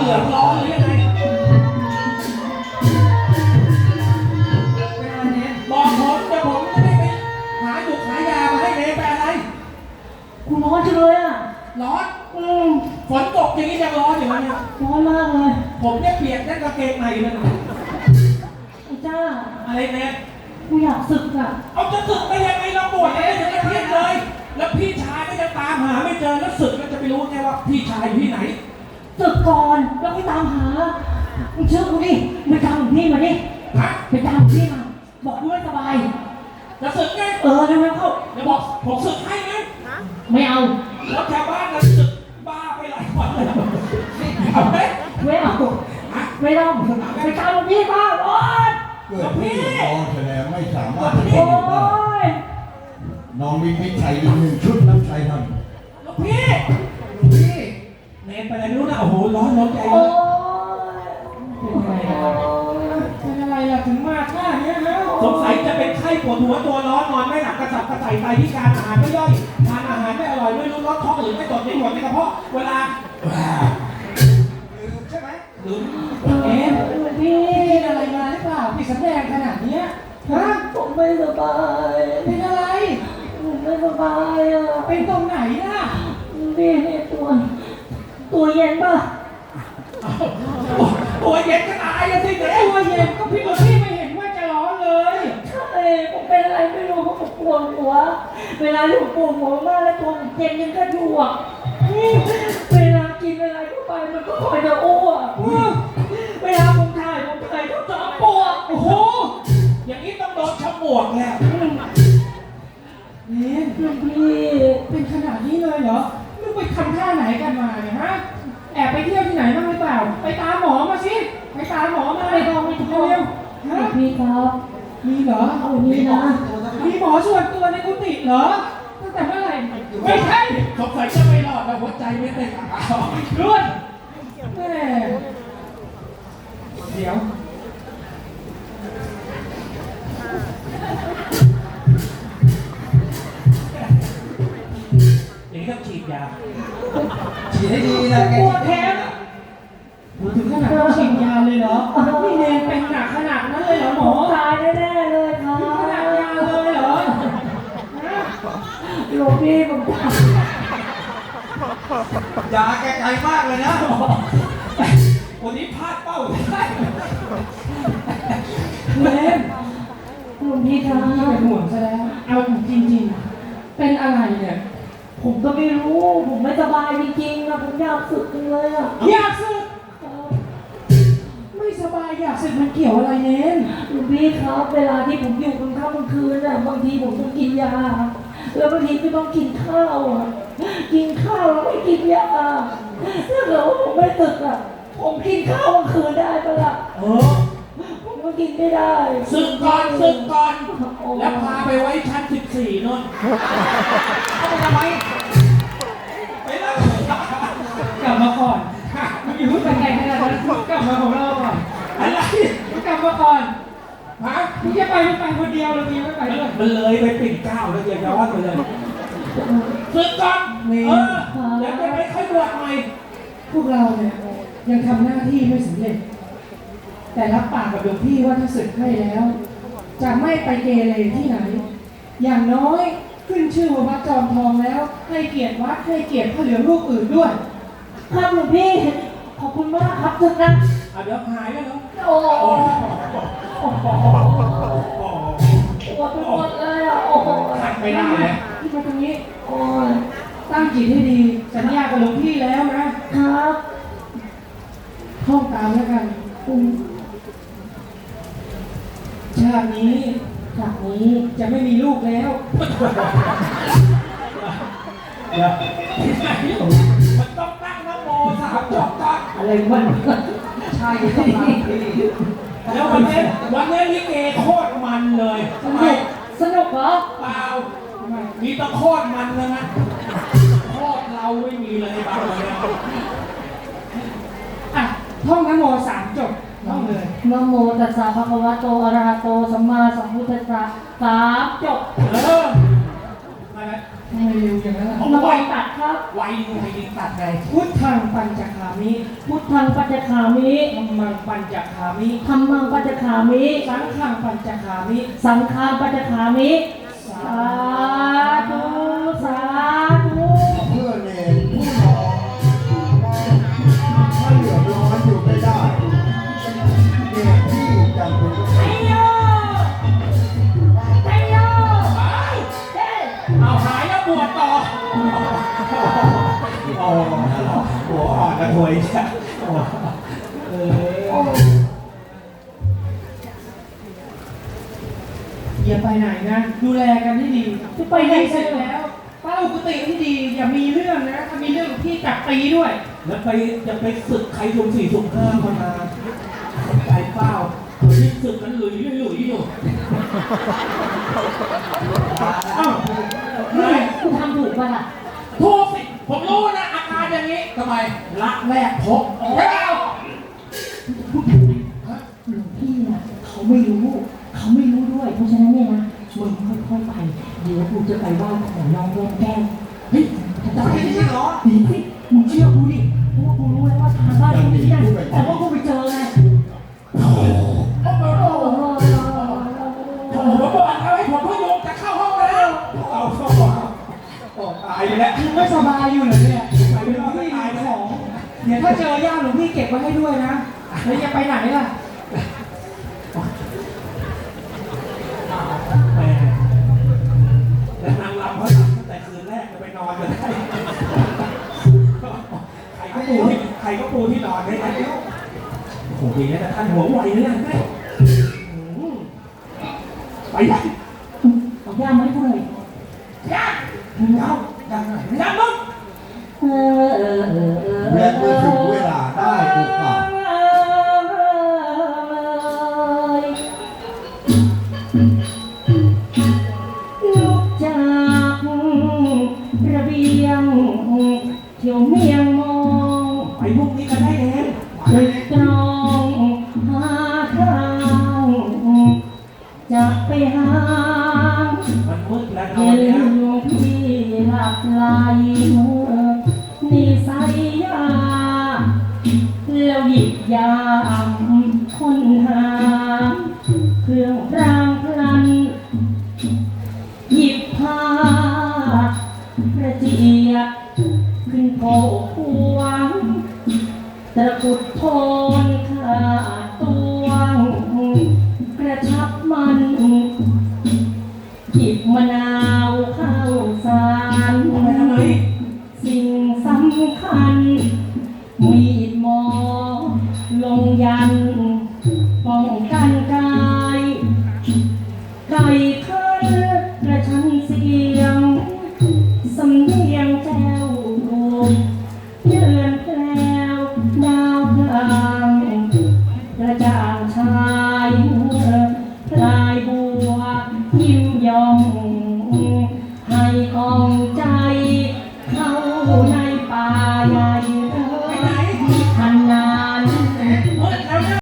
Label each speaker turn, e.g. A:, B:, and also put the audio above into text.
A: ลืองร้อนหรือยังไงบอกผมเดี๋ยวผมจะได้ไปหาหยุกหายามาให้เนไปอะไร
B: คุณร้อนจังเลยอ่ะ
A: ร้อนฝนตกอย่างนี้ยังร้อนอยู่เนี่ย
B: ร้อนมากเลย
A: ผมเนี่ยเปียกแค่กางเกงในเลย
B: ไอ้จ้า
A: อะไรเนี่ย
B: กูอยากศึกอ่ะ
A: เอาจะศึกไปยังไงเราบวชอะไรยังไม่เพี้ยนเลยแล้วพี่ชายก็จะตามหาไม่เจอแล้วศึกก็จะไปรู้ไงว่าพี่ชายอยู่ที่ไหน
B: ศึกก่อนแล้วไปตามหามึงเชื่อกูดิไปตามหลวงพี่มาดิ
A: ฮะ
B: ไปตามหลวงพี่มาบอกกูไม่สบาย
A: จะศึกไง
B: เดี๋ยวเข้า
A: เดี๋ยวบอกผมศึกให้ไหม
B: ไม่เอา
A: แล้วชาวบ้านจะศึกบ้าไปหลายวันเลยเอาไหม
B: ไม่เอาไม่ต้องไปตามหลวงพี่มาโอ๊ย
C: เกิดพี่น้องแสดงไม่สามารถจะอยู่ได้น้องมีพิชัยอีกหนึ่งชุดน้ำชัยท
A: ำลูกพี่เนนไปอะไรไม่รู้นะโอ้โหร้อนใจเลยเป็นอะไรล่ะถึงมาท่านี้นะสงสัยจะเป็นไข้ปวดหัวตัวร้อนนอนไม่หลับกระสับกระส่ายไตพิการอาหารไม่ย่อยทานอาหารไม่อร่อยไม่รู้รสท้องหรือไม่ตดไม่หมดในกระเพาะเวลาใช่ไหมลืม
B: พี่
A: อะไรมาหรือเปล่าพี่สำแดงขนาดนี้ฮะ
B: ผมไม่สบาย
A: เป็นอะไร
B: ผมไม่สบายอ่ะ
A: เป็นตรงไหนล่ะ
B: นี่ตัวเย็นป่ะ
A: ตัวเย็นก็ตายแล้วสิเด็กตัวเย็นก็พี่ไม่เห็นว่าจะร้อนเลย
B: ใช่ผมเป็นอะไรไม่รู้ผมปวดหัวเวลาที่ผมปวดหัวมากแล้วตัวเย็นยังก็อยู่อ่ะเวลากินอะไรเข้าไปมันก็คอยจะอ้วกเวลาผมถ่ายก็จะปวด
A: โอ้โหอย่างนี้ต้องโดนฉมวกแล้วเนี่ย
B: พี่
A: เป็นขนาดนี้เลยเหรอลูกไปทำท่าไหนกันมาเนี่ยฮะแอบไปเที่ยวที่ไหนบ้างหรือเปล่าไปตามหมอมาสิไปตามหมอมา
B: ไม่ต้อง
A: เร็ว
B: พี่ครับ
A: มีเหรอ
B: เอามีนะ
A: มีหมอส่วนตัวในกุฏิเหรอตั้งแต่เมื่อไหร่ไม่ใช่สงสัยจะไม่รอดแล้วหัวใจไม่เต้นรุ่นแม่เดี๋ยวอย่างนี้ต้องฉีดยาฉีดให้ดีนะปวดแทนถึงขนาดต้องฉีดยาเลยเหรอพี่เนนเป็นหนักขนาดนั้นเลยเหรอหมอ
B: ตายแน่ๆเลยครับ
A: ขนาดยาเลยเหรอ
B: หลวงพี่ผม
A: ยาแกไกลมากเลยนะวันนี้พลาดเป้าได้เนน
B: หลวงพี่ครับ
A: เป็นห่วงซะแล้วเอาจริงๆเป็นอะไรเนี่ย
B: ผมก็ไม่รู้ผมไม่สบายจริงๆนะผมอยากสึกจังเลยอ่ะ
A: อยากสึกไม่สบายอยากสึกมันเกี่ยวอะไรเน้น
B: หลวงพี่ครับเวลาที่ผมอยู่กลางค่ำกลางคืนน่ะบางทีผมต้องกินยาแล้วบางทีก็ต้องกินข้าวอ่ะกินข้าวแล้วไม่กินยาถ้าเกิดว่าผมไม่สึกอ่ะผมกินข้าวกลางคืนได้ปะล่ะผมก็กินไม่ได้
A: สึกก่อนแล้วพาไปไว้ชั้น14นู่นเอาไปทำไมไปแล้วกลับมาก่อนมึงอยู่ที่ไหนขนาดนั้นกลับมาของเราก่อนอะไรกลับมาก่อนฮะมึงจะไปคนเดียวหรือมึงไม่ไปด้วยมันเลยไปปิ่นเกล้าแล้วเดี๋ยวย้อนไปเลยสึกก่อนแล้วจะไปค่อยบวชใหม่พวกเราเนี่ยยังทำหน้าที่ไม่สำเร็จแต่รับปากกับหลวงพี่ว่าถ้าสึกให้แล้วจะไม่ไปเกเรที่ไหนอย่างน้อยขึ้นชื่อว่าวัดจอมทองแล้วให้เกียรติวัดให้เกียรติพระเหลืองรูปอื่นด้วย
B: ครับหลวงพี่ขอบคุณมากครับจึงนะ
A: เดี๋ยวหายแล้วเนาะ
B: โอ้โหปวดไปหมดเลยอ่ะโอ้โห
A: ทักไม่ได้เลย
B: ที่มาตรงนี้โอ้ย
A: ตั้งจิตให้ดีสัญญากับหลวงพี่แล้วนะครับท่องตามแล้วกันชาตินี้จะไม่มีลูกแล้วมันต้องตั้งนะโม3 จบก่อน
B: อะไรมัน
A: ใช่ต้องตั้งแล้ววันนี้ลิเกโคตรมันเลย
B: สนุกเหรอ
A: เปล่ามีตะโคตรมันเลยนะโคตรเราไม่มีเลยบ้างเลยอ่ะท่องนะโม3 จบท่องเลย
B: นะโมตัสสะภะคะวะโตอะระหะโตสัมมาสัมพุทธัสสะ3 จบ
A: มาแล้วทำไมเร็วอย่างนั้นล่ะ
B: ระวังตัดครับ
A: ไวยิงตัดไงพุทธังปัญจคามิ
B: พุทธังปัจจคามิ
A: ธัมมังปัญจคามิ
B: ธัมมังปัจจคามิ
A: สังฆังปัญจคามิ
B: สังฆังปัจจคามิ
A: สา
B: สาธุสาธุ
C: เพื่อเนรผู้นองถ้าเหลือร้อนอยู่ไม่ได้เนรที่จำเป็นต้อง
B: ไอ้โยไอ้โยเฮ้ย
A: เอาหายแล้วบวชต่อโอ้โหอ่อนกระถวยใช่เอออย่าไปไหนนะดูแลกันให้ดี
B: จะไปไหน
A: เสร็จแล้วเฝ้ากุฏิที่ดีอย่ามีเรื่องนะถ้ามีเรื่องพี่จับตีด้วย แล้วไปจะไปศึกใครสุ่มสี่สุ่มห้าคนมาใจเป้าที่ศึกมันหลุยอยู่อ้าว
B: นี่คุณทำถูกป่ะล่ะ
A: ถูกสิผมรู้นะอาการอย่างนี้ทำไมรักแรกพบแล้ว
B: หลวงพี่น่ะเขาไม่รู้ด้วย เพราะฉะนั้นเนี่ยนะมึงค่อยๆไป เดี๋ยวกูจะไปไหว้ขอน้องแก้มแก้ม
A: เฮ้ยจะไปที่นี่เหรอ
B: ดีสิมึงเชื่อกูดิเพราะว่ากูรู้แล้วว่าทางบ้านกูที่นั่นแต่ว่ากูไปเจอไง
A: โอ้โหบอกเอาให้ผมพยุงจะเข้าห้องแล้วเอาเข้าตายแล้วยังไม่สบายอยู่เหรอเนี่ยไปไม่ได้ตายของเดี๋ยวถ้าเจอย่าหลวงพี่เก็บไว้ให้ด้วยนะแล้วจะไปไหนล่ะแม่แล้วนางรำเขาทำตั้งแต่คืนแรกจะไปนอนกันได้ใครก็ปูที่นอนได้แล้วโอ้โหดีนะแต่ท่านหัวไวเลยนะแม่ไปยัง
B: เอาย่ามาให้กูหน่อย
A: ยังยังไหนยังมึง
C: และเมื่อถึงเวลาได้โอกาส
B: ลุกจากระเบียงเที่ยวเมียงมอง
A: ไปพวกนี้ก็ได้เอง
B: ตึกตรองหาทางจะไปหา
A: มันมืดแล้วนอ
B: เห็
A: น
B: น
A: เนี่ย
B: หลวงพี่หลับไหลนิสัยยาแล้วหยิบยามค้นหาเครื่องรางพลัน หยิบผ้ากระเจียบขึ้นโผควงตะกุดโทนขาดตวงกระชับมัน หยิบมะนาว